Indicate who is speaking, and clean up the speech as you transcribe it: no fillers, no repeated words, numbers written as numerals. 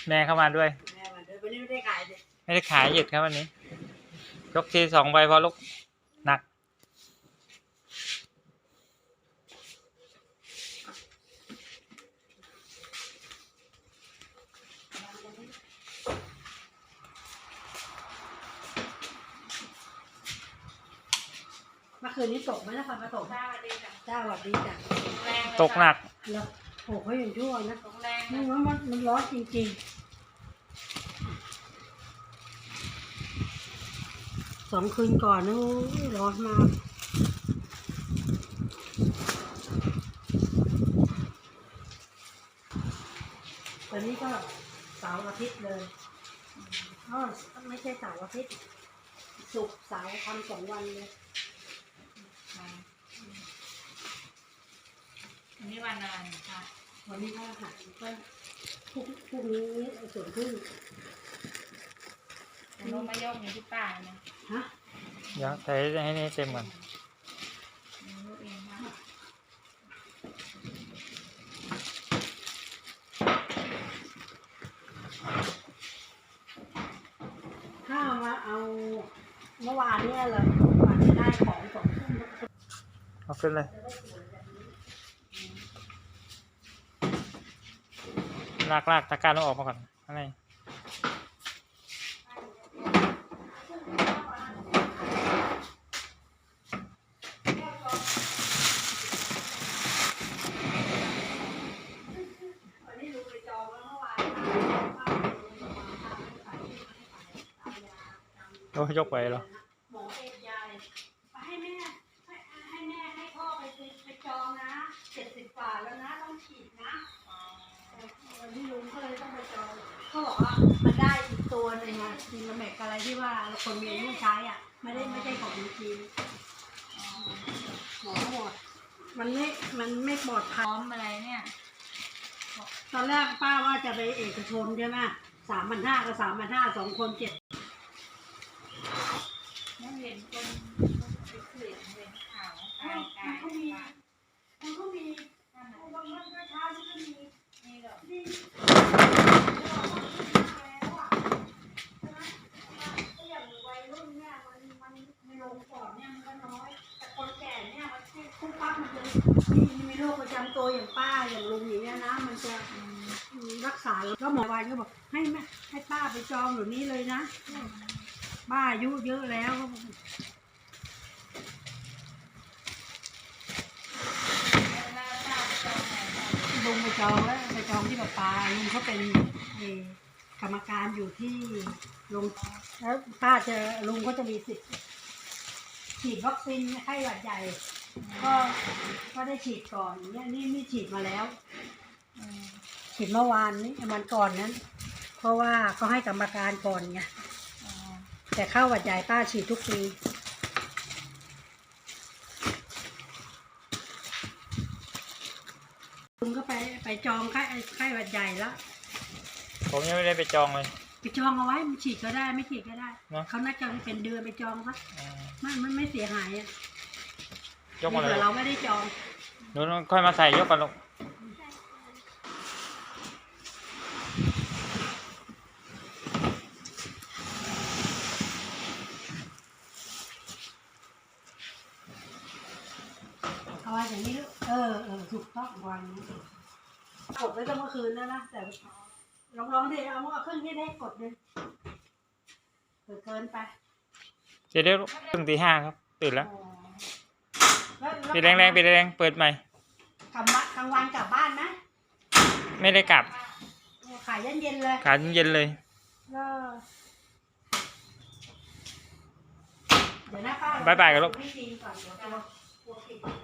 Speaker 1: แม่เข้ามาด้วย
Speaker 2: แม่มาด้วยวันนี้ไม่ได้ขายเลย
Speaker 1: ไม่ได้ขายหยุดครับวันนี้ยกที2 ใบพอลูกหนัก
Speaker 2: เมื่อคืนนี้ตกไหมนะฟันมาตกจ้าสวัสดีจ้ะจ้าสวัสดีจ้ะ
Speaker 1: ตกหนัก
Speaker 2: แล้วโอ้เขาอย่างชั่วนะ
Speaker 3: ตกแรง
Speaker 2: นี่ว่ามันร้อนจริงๆ2 คืนก่อนนะร้อนมากตอนนี้ก็เสาร์อาทิตย์เลยไม่ใช่เสาร์อาทิตย์ศุกร์เสาร์ทำ2 วันเลย
Speaker 3: วันนี้วันอะไรคะ
Speaker 2: วันนี้ก็หัดก็พรุ่งนี้ส่วนพึ่ง
Speaker 3: ลงมายกมีที่ป้าเนี่ย
Speaker 2: ฮะ
Speaker 1: เดี๋ยวใส่ให้นี่เต็มก่อน
Speaker 3: ลูกเองค่ะ
Speaker 2: ถ้ามาเอาเมื่อวานเนี่ยเลยวันจะได้ของ2 ทุ่ม
Speaker 1: เอาขึ้นเลยลากตะกร้าต้องออกมาก่อนข้างในโอ้ยกไปเหรอ
Speaker 2: หมอเอกยายให้แม่ให้พ่อไปจองนะ70 กว่าแล้วนะต้องฉีดนะวันนี้ลุงก็เลยต้องไปจองเขาบอกว่ามันได้อีกตัวนึงนะซีนาแมกอะไรที่ว่าคนมีอายุใช้อ่ะไม่ใช่ของจีนหมอหมดมันไม่ปลอดภัย
Speaker 3: อะไรเนี่ย
Speaker 2: ตอนแรกป้าว่าจะไปเอกชนใช่ไหม3,500 กับ 3,500 2 คน7
Speaker 3: ไม่เห็นคนเห็นข่าว
Speaker 2: มันก็มีบางวันก็เช้าก็มี
Speaker 3: นี่หรอ
Speaker 2: อย่างวัยรุ่นเนี่ยมันไม่ลงก่อนเนี่ยมันก็น้อยแต่คนแก่เนี่ยมันคุ้มปั๊บมันจะมีโรคประจำตัวอย่างป้าอย่างลุงอย่างเงี้ยนะมันจะรักษาแล้วหมอวายก็บอกให้ป้าไปจองอยู่นี้เลยนะป้าอายุเยอะแล้วลุงไปจองแล้วไปจองที่ปาลุงเขาเป็นกรรมการอยู่ที่โรงแล้วป้าลุงเขาจะมีสิทธิ์ฉีดวัคซีนไข้หวัดใหญ่ก็ได้ฉีดก่อนเนี่ยนี่ฉีดมาแล้วฉีดเมื่อวานนี้วันก่อนนั้นเพราะว่าเขาให้กรรมการก่อนไงแต่ไข้หวัดใหญ่ป้าฉีดทุกปีลุงก็ไปจองไข้หวัดใหญ่แล้ว
Speaker 1: ผมยังไม่ได้ไปจองเลย
Speaker 2: ไปจองเอาไว้มันฉีดก็ได้ไม่ฉีดก็ได้เขาน่าจะเป็นเดือนไปจองซะมันไม่เสียหายอ่ะ
Speaker 1: ยกมาเลย
Speaker 2: เราไม่ได้จอง
Speaker 1: หนูค่อยมาใส่ยกก่อนลูก
Speaker 2: เอาไว้อย่างนี้ถูกต้องวางนี้กดไว้ตั้งเมื่อคืนแล้วนะแต่ลองดิเอาเครื่องที่ได้กดเลยเกินไป
Speaker 1: เดี๋ยวตื่นตี 5ครับตื่นแล้วปิดแรงเปิดใหม่
Speaker 2: กลางวันกลับบ้านไหม
Speaker 1: ไม่ได้กลับ
Speaker 2: ขายเย็นเลย
Speaker 1: ขายเย็นเลย
Speaker 2: เดี๋ยวนะป้า
Speaker 1: บ๊ายบายกันลูก